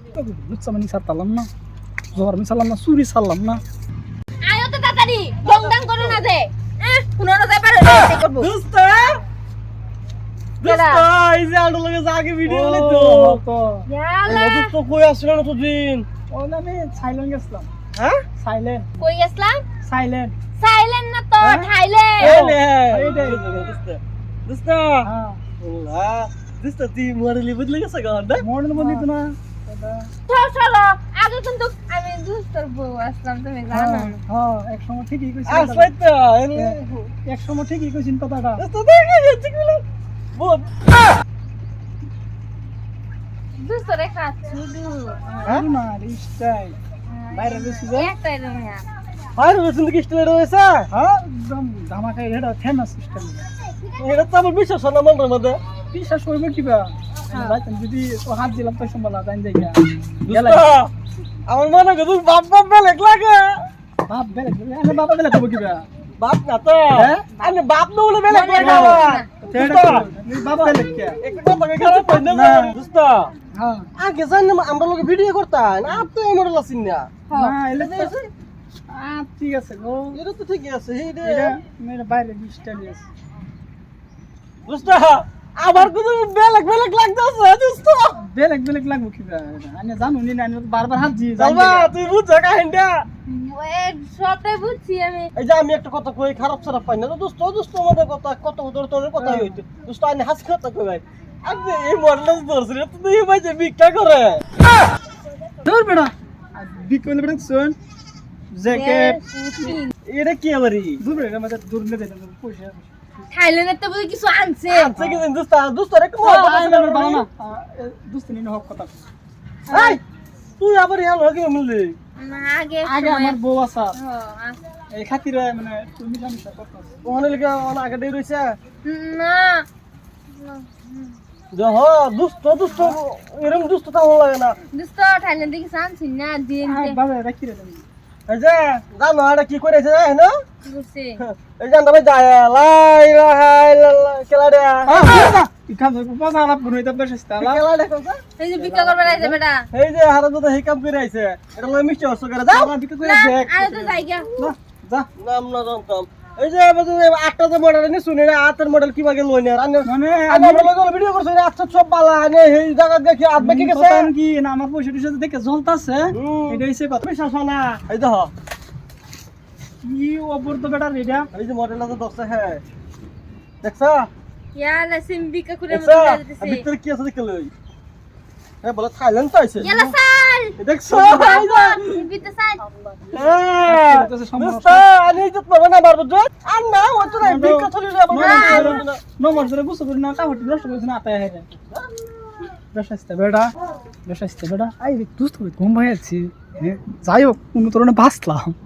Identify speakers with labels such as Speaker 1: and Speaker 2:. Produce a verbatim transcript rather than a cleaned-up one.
Speaker 1: লুচ্চা মানি ছাড়তাম না, জোয়ার আমি ছাড়লাম না, চুরি ছাড়লাম না।
Speaker 2: আয়ো তো তাড়াতাড়ি দংদাং করো না যে পুনরায় যাই পারো এই করব
Speaker 3: দোস্ত দোস্ত এই যে আলো লাগে আগে ভিডিও বানাই তো
Speaker 1: তো
Speaker 2: ইয়ালা
Speaker 3: দোস্ত কই আসছিল না তো দিন
Speaker 1: ও না আমি সাইলেন্ট গেছিলাম।
Speaker 3: হ্যাঁ
Speaker 1: সাইলেন্ট
Speaker 2: কই গেছলাম
Speaker 1: সাইলেন্ট
Speaker 2: সাইলেন্ট না তো
Speaker 1: হ্যাঁ?
Speaker 2: থাইল্যান্ড
Speaker 3: এই নে
Speaker 1: এইটাই।
Speaker 3: দোস্ত দোস্ত
Speaker 1: হ্যাঁ
Speaker 3: ওলা দোস্ত তুই মডেলি বদলে গেছে গান না
Speaker 1: মডেল বলি তো না।
Speaker 2: চল চলো আগে কিন্তু আমি দুস্তর বউ আসলাম তুমি জানো
Speaker 1: হ্যাঁ হ্যাঁ এক সময় ঠিকই কইছিস
Speaker 3: আসলে তো
Speaker 1: এক সময় ঠিকই কইছিস কথাটা।
Speaker 3: দোস্ত দেখে যাচ্ছে কি বলে বহুত
Speaker 2: দুস্তর একটা ছুডু
Speaker 1: হ্যাঁ না স্টাইল বাইরে বেশি যায়।
Speaker 2: একটা রুমিয়া
Speaker 3: আর বসন্ত কি স্টাইল রয়েছে
Speaker 1: হ্যাঁ একদম ধামাকাই এটা ফেমাস স্টাইল।
Speaker 3: এটা তো আমার বিশ্বাস না মনের মধ্যে
Speaker 1: বিশ্বাস করবে কিবা যাইতাম যদি ও হাত দিলাম তো সম্বলা জান দেখা
Speaker 3: দোস্ত আমার মনে কর তুই বাপ বাপ বেলেগ লাগে
Speaker 1: বাপ বেলে আমি বাবা বেলে কব কিবা
Speaker 3: বাপ না তো
Speaker 1: হ্যাঁ?
Speaker 3: আমি বাপ না বলে বেলেগ লাগে
Speaker 2: না,
Speaker 3: আমার
Speaker 2: না।
Speaker 1: তেড়া বাবা বেলে কে
Speaker 3: একটু কথা কই খারাপ কই না
Speaker 1: না।
Speaker 3: দোস্ত
Speaker 1: হ্যাঁ
Speaker 3: আগে জান আমরা লোকে ভিডিও করতাম না আপ তো এই মডেল আছিস না
Speaker 1: না এলে তো আ ঠিক আছে গো
Speaker 3: এটা তো ঠিকই আছে এই রে
Speaker 1: এটা মেরে বাইরে স্টাইল আছে।
Speaker 3: দোস্ত আবার কোন বেলেগ বেলেগ লাগতাছে দোস্ত
Speaker 1: বেলেগ বেলেগ লাগবো কিবা আমি জানো নি না আমি বারবার হাত দিয়ে জান
Speaker 3: চলবা তুই বুঝছ কাহিনীটা
Speaker 2: ওই সবটাই বুঝছি আমি
Speaker 3: এই যে আমি একটা কথা কই খারাপ খারাপ পাই না তো দোস্ত দোস্ত আমাদের কথা কত তোর তোর কথা হইতো দোস্ত আমি হাস কথা কই ভাই আগে এই মডেল ধরছ রে তুই ভাই যে বিকটা করে
Speaker 1: দূর বেড়া বিকল বেড়া শুন জ্যাকেট
Speaker 3: এটা কি আমারই
Speaker 1: দূর বেড়া আমাদের দূর নে দেন পয়সা
Speaker 2: থাইল্যান্ডের তো বুঝি কিছু আনছে
Speaker 3: আচ্ছা কি দোস্ত দোস্ত রে কোন
Speaker 1: বাবা না দুস্তিনি হক কথা
Speaker 3: এই তুই আবার ইয়ার লগে মিললি
Speaker 2: না আগে
Speaker 1: আগে আমার বউ আছে
Speaker 2: ও, আচ্ছা।
Speaker 1: এই খাতিরে মানে তুমি সমস্যা করতেছ
Speaker 3: ওখানে লিখে অন আগে দেই রইছে
Speaker 2: না
Speaker 3: যে হ দুষ্ট দুষ্ট এরকম দুষ্ট তো ভালো লাগে না
Speaker 2: দোস্ত থাইল্যান্ডে কিছু আনছি না দিন
Speaker 1: বাবা রাখি রে তুমি
Speaker 3: এই যে জানো এটা কি করেছে জানো না
Speaker 2: বুঝছি
Speaker 3: এই যে আমরা যায় লাই লাই খেলা রে
Speaker 1: ইখান ধরে পাঁচ আলাপ গুনইতে বসেছতা
Speaker 3: খেলা দেখো
Speaker 2: এই যে বিক্রি করবে রাইছে বেটা
Speaker 3: এই যে হারা তো এই কাম করে আইছে এটা লয় মিষ্টি হচ্ছে করে দাও
Speaker 1: আমরা বিক্রি করে
Speaker 2: না
Speaker 1: দেখ
Speaker 2: আরে তো যাই গা
Speaker 1: না যা
Speaker 3: নাম না জানতাম এই যে আমাদের আটটা যে মডেল নি শুনি না আটের মডেল কি ভাগে লই না আর
Speaker 1: মানে
Speaker 3: আমি আমরা লগে ভিডিও করছি আটটা সব বালা আনে এই জায়গা দেখি আট বাকি গেছে
Speaker 1: কথা কি না আমার পয়সা টুসা দেখে জ্বলতাছে
Speaker 3: হুম।
Speaker 1: এটা হইছে কথা
Speaker 3: বিশ্বাস হয় না এই দেখো
Speaker 1: কি অবর তো বেটা রেডা
Speaker 3: এই যে মডেলটা তো দশটা হ্যাঁ দেখছা
Speaker 2: ইয়ালা সিম বিক্রি করে
Speaker 3: দেখছা
Speaker 2: মতো দিতেছে
Speaker 3: ভিতরে কি আছে দেখে লই হ্যাঁ বলে থাইল্যান্ড তো আইছে
Speaker 2: ইয়ালা সাল
Speaker 3: দেখছো
Speaker 2: বিতে সাল
Speaker 3: হ্যাঁ দোস্ত আমি তো পাবো না বারবার জয় আর না ও তো না বিক্কা চলে যাবে না
Speaker 1: নম্বর ধরে বুঝতে পারি না কাপড় নষ্ট করেছ না আতায় হেরে বেশাইতে বেটা বেশাইতে বেটা আই দুস্থ ঘুম ভাই আছি যাই হোক কোনো তোরণে বাঁচলাম